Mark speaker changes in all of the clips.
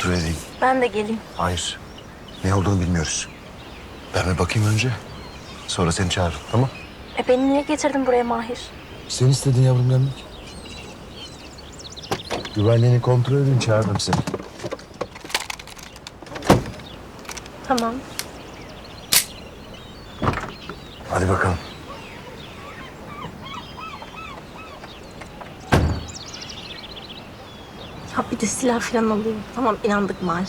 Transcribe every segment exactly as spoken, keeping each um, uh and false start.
Speaker 1: kontrol edeyim.
Speaker 2: Ben de geleyim.
Speaker 1: Hayır. Ne olduğunu bilmiyoruz. Ben bir bakayım önce. Sonra seni çağırırım, tamam?
Speaker 2: E beni niye getirdin buraya Mahir?
Speaker 1: Sen istedin yavrum gelmek. Güvenliğini kontrol edin, çağırdım seni.
Speaker 2: Tamam.
Speaker 1: Hadi bakalım.
Speaker 2: Ha bir de silah falan alayım. Tamam inandık Mahir.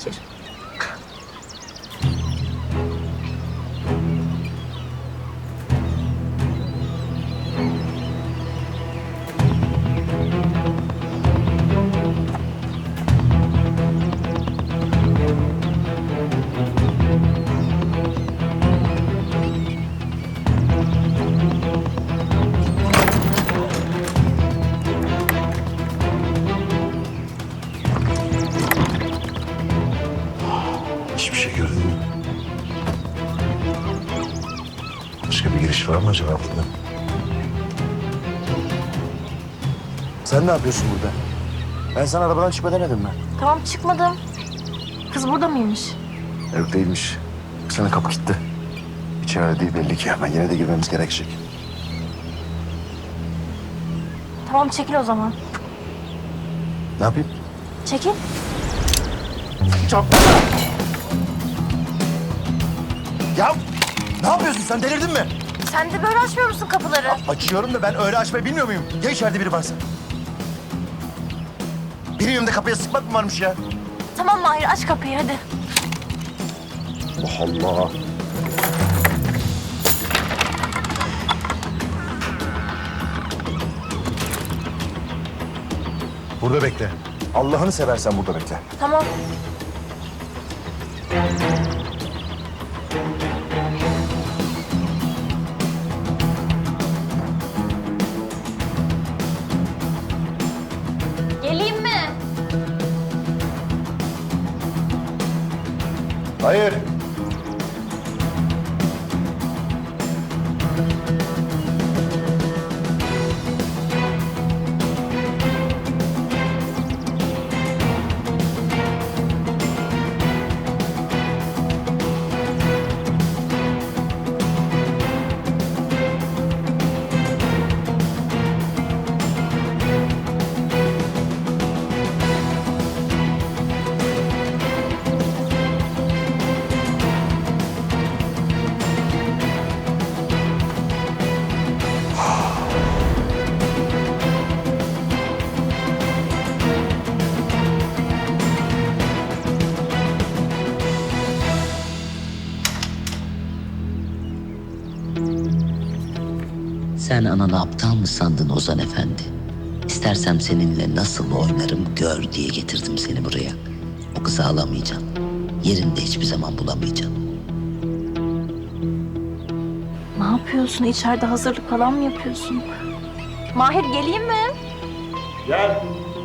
Speaker 1: Hiçbir şey gördün mü? Başka bir giriş var mı acaba burada? Sen ne yapıyorsun burada? Ben sana arabadan çıkma demedim mi?
Speaker 2: Tamam çıkmadım. Kız burada mıymış?
Speaker 1: Yok değilmiş. Sana kapı kilitli. İçeride değil belli ki. Ama yine de girmemiz gerekecek.
Speaker 2: Tamam çekil o zaman.
Speaker 1: Ne yapayım?
Speaker 2: Çekil.
Speaker 1: Çarpma! Ya ne yapıyorsun sen, delirdin mi?
Speaker 2: Sen de böyle açmıyor musun kapıları?
Speaker 1: Açıyorum da ben öyle açmayı bilmiyor muyum? Ya içeride biri varsa? Benim yanımda kapıya sıkmak mı varmış ya?
Speaker 2: Tamam Mahir aç kapıyı hadi.
Speaker 1: Allah Allah. Burada bekle. Allah'ını seversen burada bekle.
Speaker 2: Tamam. Geleyim mi?
Speaker 1: Hayır.
Speaker 3: Sen ananı aptal mı sandın Ozan Efendi? İstersem seninle nasıl oynarım gör diye getirdim seni buraya. O kızı alamayacaksın. Yerinde hiçbir zaman bulamayacaksın.
Speaker 2: Ne yapıyorsun? İçeride hazırlık falan mı yapıyorsun? Mahir geleyim mi?
Speaker 1: Gel.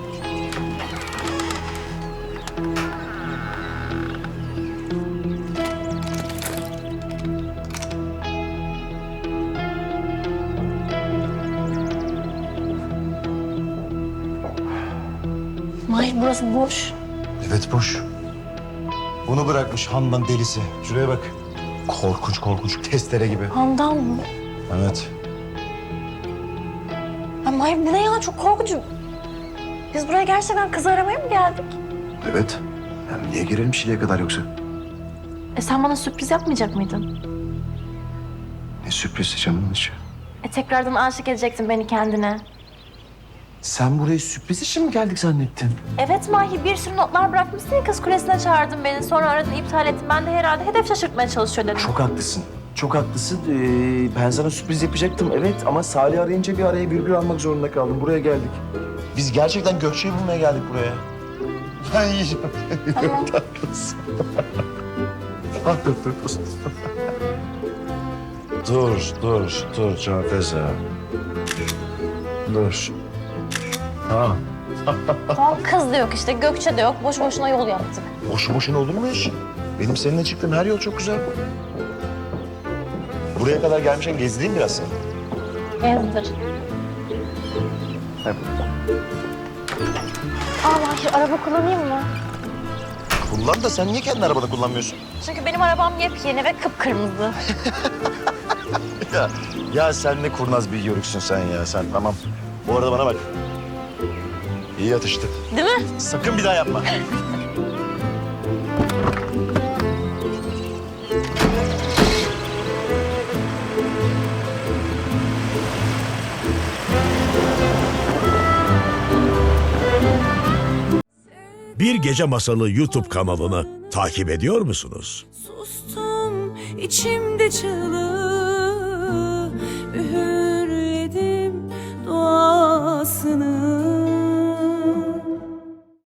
Speaker 2: Mahir burası boş.
Speaker 1: Evet boş. Bunu bırakmış Handan delisi. Şuraya bak. Korkunç korkunç testere gibi.
Speaker 2: Handan mı?
Speaker 1: Evet.
Speaker 2: Ay Mahir bu ne ya? Çok korkunç. Biz buraya gerçekten kız aramaya mı geldik?
Speaker 1: Evet. Yani niye girelim şimdiye kadar yoksa?
Speaker 2: E sen bana sürpriz yapmayacak mıydın?
Speaker 1: Ne sürpriz canımın içi.
Speaker 2: E tekrardan aşık edecektin beni kendine.
Speaker 1: Sen buraya sürpriz için mi geldik zannettin?
Speaker 2: Evet Mahir bir sürü notlar bırakmışsın ya kız kulesine çağırdın beni. Sonra aradın iptal ettin. Ben de herhalde hedef şaşırtmaya çalışıyor dedim.
Speaker 4: Çok haklısın. Çok haklısın. Ee, ben sana sürpriz yapacaktım evet ama Salih arayınca bir araya virgül almak zorunda kaldım. Buraya geldik.
Speaker 1: Biz gerçekten Gökçe'yi bulmaya geldik buraya. Ben yiyeceğim.
Speaker 2: Tamam.
Speaker 1: Tatlısın. Ah, dur, dur, dur. Dur, dur, dur Canfeza. Dur. Ha.
Speaker 2: Tamam kız da yok işte Gökçe de yok. Boş boşuna yol yaptık.
Speaker 1: Boşu boşuna olur mu hiç? Benim seninle çıktığım her yol çok güzel. Buraya kadar gelmişken gezdireyim biraz seni.
Speaker 2: Gezdir.
Speaker 1: Hep.
Speaker 2: Aa Mahir araba kullanayım mı?
Speaker 1: kullan da sen niye kendi arabanı kullanmıyorsun?
Speaker 2: Çünkü benim arabam yepyeni ve kıpkırmızı.
Speaker 1: Ya, ya sen ne kurnaz bir yörüksün sen ya sen tamam. Bu arada bana bak. İyi atıştı.
Speaker 2: Değil mi?
Speaker 1: Sakın bir daha yapma.
Speaker 5: Bir Gece Masalı YouTube kanalını takip ediyor musunuz?
Speaker 6: Sustum içimde çığlığı, üğürledim duasını.